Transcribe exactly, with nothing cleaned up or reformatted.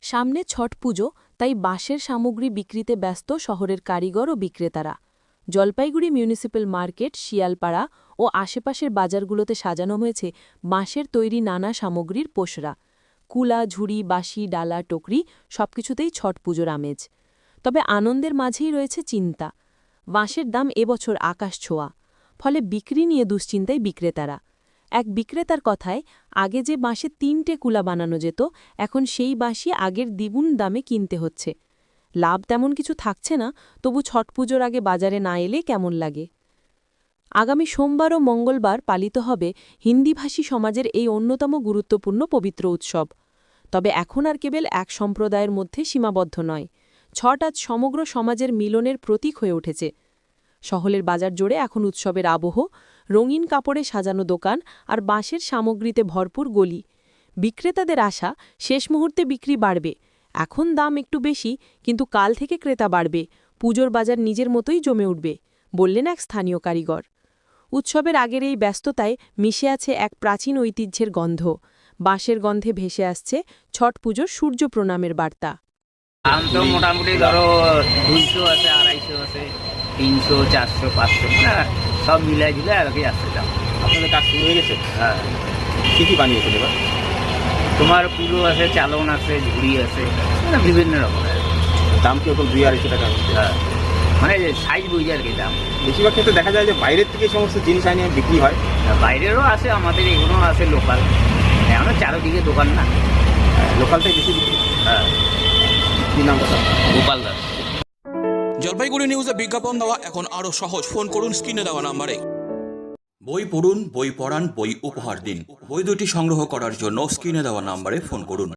সামনে ছট পুজো, তাই বাঁশের সামগ্রী বিক্রিতে ব্যস্ত শহরের কারিগর ও বিক্রেতারা। জলপাইগুড়ি মিউনিসিপ্যাল মার্কেট, শিয়ালপাড়া ও আশেপাশের বাজারগুলোতে সাজানো হয়েছে বাঁশের তৈরি নানা সামগ্রীর পোশরা। কুলা, ঝুড়ি, বাঁশি, ডালা, টকরি সবকিছুতেই ছট পুজোর আমেজ। তবে আনন্দের মাঝেই রয়েছে চিন্তা। বাঁশের দাম এবছর আকাশ ছোঁয়া, ফলে বিক্রি নিয়ে দুশ্চিন্তায় বিক্রেতারা। এক বিক্রেতার কথায়, আগে যে বাঁশে তিনটে কুলা বানানো যেত, এখন সেই বাঁশই আগের দ্বিগুণ দামে কিনতে হচ্ছে। লাভ তেমন কিছু থাকছে না, তবু ছট পুজোর আগে বাজারে না এলে কেমন লাগে। আগামী সোমবার ও মঙ্গলবার পালিত হবে হিন্দিভাষী সমাজের এই অন্যতম গুরুত্বপূর্ণ পবিত্র উৎসব। তবে এখন আর কেবল এক সম্প্রদায়ের মধ্যে সীমাবদ্ধ নয়, ছট আজ সমগ্র সমাজের মিলনের প্রতীক হয়ে উঠেছে। শহরের বাজার জুড়ে এখন উৎসবের আবহ, রঙিন কাপড়ে সাজানো দোকান আর বাঁশের সামগ্রীতে ভরপুর গলি। বিক্রেতাদের আশা, শেষ মুহূর্তে বিক্রি বাড়বে। এখন দাম একটু বেশি, কিন্তু কাল থেকে ক্রেতা বাড়বে, পুজোর বাজার নিজের মতোই জমে উঠবে, বললেন এক স্থানীয় কারিগর। উৎসবের আগের এই ব্যস্ততায় মিশে আছে এক প্রাচীন ঐতিহ্যের গন্ধ। বাঁশের গন্ধে ভেসে আসছে ছট পুজোর সূর্য প্রণামের বার্তা। দাম তো মোটামুটি ধরো দুইশো আছে, আড়াইশো আছে, তিনশো, চারশো, পাঁচশো, মানে সব মিলাই ঝুলে আর কি আসছে দাম। আপনাদের কাজ শুরু হয়ে গেছে? হ্যাঁ। কী কী বানিয়েছেন এবার? তোমার পুরো আছে, চালন আছে, ঝুড়ি আছে, মানে বিভিন্ন রকমের। দাম কি এখন দুই আড়াইশো টাকা হচ্ছে? হ্যাঁ, মানে সাইজ বুঝে আর কি দাম। বেশিরভাগ ক্ষেত্রে দেখা যায় যে বাইরের থেকে এই সমস্ত জিনিস আনিয়ে বিক্রি হয়। বাইরেরও আছে, আমাদের এগুলো আছে লোকাল। এখনো চারোদিকে দোকান না, লোকালটাই বেশি বিক্রি। হ্যাঁ। কী নাম কথা? গোপাল দাস। জলপাইগুড়ি নিউজে বিজ্ঞাপন দেওয়া এখন আরও সহজ। ফোন করুন স্ক্রিনে দেওয়া নাম্বারে। বই পড়ুন, বই পড়ান, বই উপহার দিন। বই দুটি সংগ্রহ করার জন্য স্ক্রিনে দেওয়া নাম্বারে ফোন করুন।